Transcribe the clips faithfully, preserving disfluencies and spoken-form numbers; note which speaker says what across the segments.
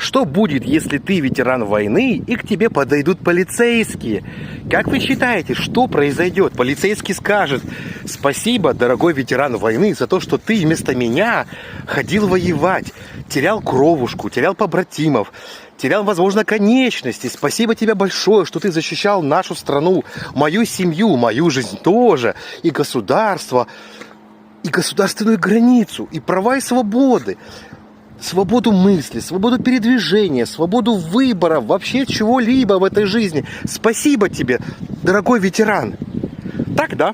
Speaker 1: Что будет, если ты ветеран войны и к тебе подойдут полицейские? Как вы считаете, что произойдет? Полицейский скажет: спасибо, дорогой ветеран войны, за то, что ты вместо меня ходил воевать, терял кровушку, терял побратимов, терял, возможно, конечности. Спасибо тебе большое, что ты защищал нашу страну, мою семью, мою жизнь тоже, и государство, и государственную границу, и права и свободы. Свободу мысли, свободу передвижения, свободу выбора, вообще чего-либо в этой жизни. Спасибо тебе, дорогой ветеран. Так, да?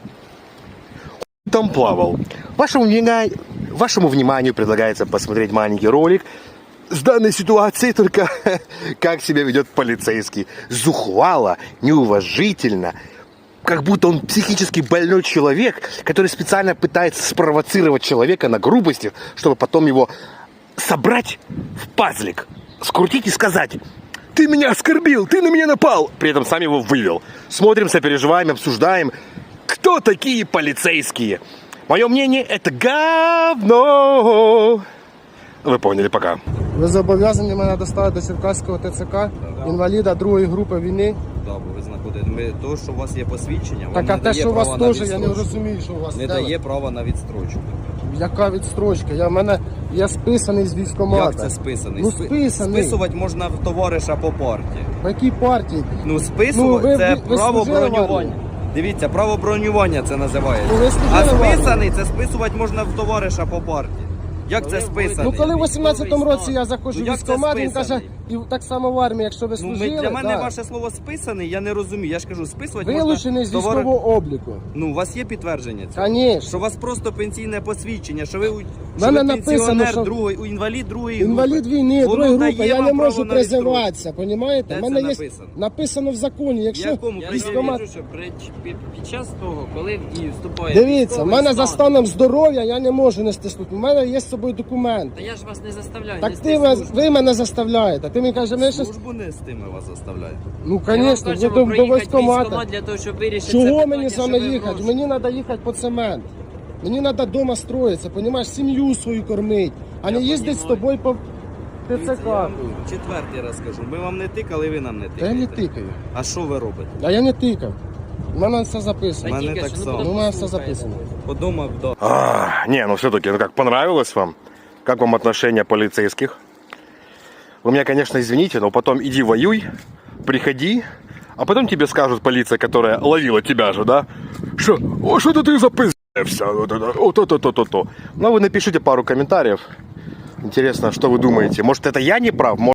Speaker 1: Там плавал. Вашему, вашему вниманию предлагается посмотреть маленький ролик с данной ситуацией, только как себя ведет полицейский. Зухвало, неуважительно, как будто он психически больной человек, который специально пытается спровоцировать человека на грубости, чтобы потом его собрать в пазлик, скрутить и сказать: ты меня оскорбил, ты на меня напал. При этом сам его вывел. Смотрим, сопереживаем, обсуждаем, кто такие полицейские. Мое мнение, это говно. Ви поняли, пока.
Speaker 2: Ви зобов'язані мене доставити до Черкаського ТЦК, да. Інваліда другої групи війни.
Speaker 3: Да, бо ви знаходите. Ми, то, що у вас є посвідчення,
Speaker 2: так,
Speaker 3: вам
Speaker 2: а те, що у вас теж, я не розумію, що у вас.
Speaker 3: Не дає права на відстрочку.
Speaker 2: Яка відстрочка? Я в мене я списаний з військкомата.
Speaker 3: Як це списаний?
Speaker 2: Ну, списаний.
Speaker 3: Списувати можна в товариша по партії.
Speaker 2: По якій партії?
Speaker 3: Ну, списувати
Speaker 2: ну, ви,
Speaker 3: це
Speaker 2: ви, ви
Speaker 3: право бронювання. Дивіться, право бронювання це називається.
Speaker 2: Ну,
Speaker 3: а списаний це списувати можна в товариша по партії. Як це списаний?
Speaker 2: Ну коли в вісімнадцятому році я заходжу
Speaker 3: ну,
Speaker 2: в військкомат, він каже, і так само в армії, якщо ви служили.
Speaker 3: Ну, для мене
Speaker 2: да.
Speaker 3: ваше слово списаний, я не розумію. Я ж кажу, списувати можна...
Speaker 2: Вилучений з
Speaker 3: товар...
Speaker 2: військового обліку.
Speaker 3: Ну, у вас є підтвердження цього?
Speaker 2: Конечно.
Speaker 3: Що у вас просто пенсійне посвідчення, що ви, що
Speaker 2: мене
Speaker 3: ви
Speaker 2: написано,
Speaker 3: пенсіонер
Speaker 2: що...
Speaker 3: другої, інвалід другої
Speaker 2: інвалід
Speaker 3: групи.
Speaker 2: війни, другої групи, я не можу
Speaker 3: на
Speaker 2: призиватися, розумієте?
Speaker 3: Де
Speaker 2: У мене
Speaker 3: це
Speaker 2: є
Speaker 3: написано?
Speaker 2: написано в законі, якщо
Speaker 3: Якому?
Speaker 4: Я
Speaker 2: військкомат...
Speaker 4: вірю, що при, під, під час того, коли в дію вступає
Speaker 2: Дивіться, в мене
Speaker 4: стан,
Speaker 2: за станом здоров'я я не можу нести службу. У мене є з собою документ.
Speaker 4: Та я ж вас не заставляю.
Speaker 2: Так
Speaker 4: нести
Speaker 2: ти ви,
Speaker 4: службу.
Speaker 2: ви мене заставляєте. Ти мені кажеш, ми щось...
Speaker 3: Службу не з тими вас заставляють.
Speaker 2: Ну,
Speaker 4: Я вам
Speaker 2: звісно,
Speaker 4: кажу,
Speaker 2: до, до
Speaker 4: проїхати
Speaker 2: військкомата.
Speaker 4: військкомат для того, щоб вирішити це
Speaker 2: Чого
Speaker 4: питання,
Speaker 2: мені з
Speaker 4: що
Speaker 2: вами
Speaker 4: ви
Speaker 2: їхати?
Speaker 4: гроші.
Speaker 2: Мені треба їхати по цемент. Мені треба вдома строїтися, понімаєш, сім'ю свою кормити, а не їздити з тобою по
Speaker 3: Дивіться,
Speaker 2: ТЦК.
Speaker 3: я вам четвертий раз кажу. Ми вам не тикали, ви нам не
Speaker 2: Та я
Speaker 3: тикаєте.
Speaker 2: не тикаю.
Speaker 3: А що ви робите?
Speaker 2: А я не тикав. У мене все
Speaker 3: У
Speaker 2: записано.
Speaker 3: мене
Speaker 4: тільки
Speaker 3: так
Speaker 4: що, ну,
Speaker 3: само.
Speaker 2: Ну, у мене все записано.
Speaker 3: Подумав, да.
Speaker 1: А, не, ну все-таки, ну как, понравилось вам? Как вам отношение полицейских? Вы меня, конечно, извините, но потом иди воюй, приходи, а потом тебе скажут полиция, которая ловила тебя же, да? Что, о, что-то ты запиздился, вот то-то-то-то-то. Ну, вы напишите пару комментариев. Интересно, что вы думаете? Может, это я не прав?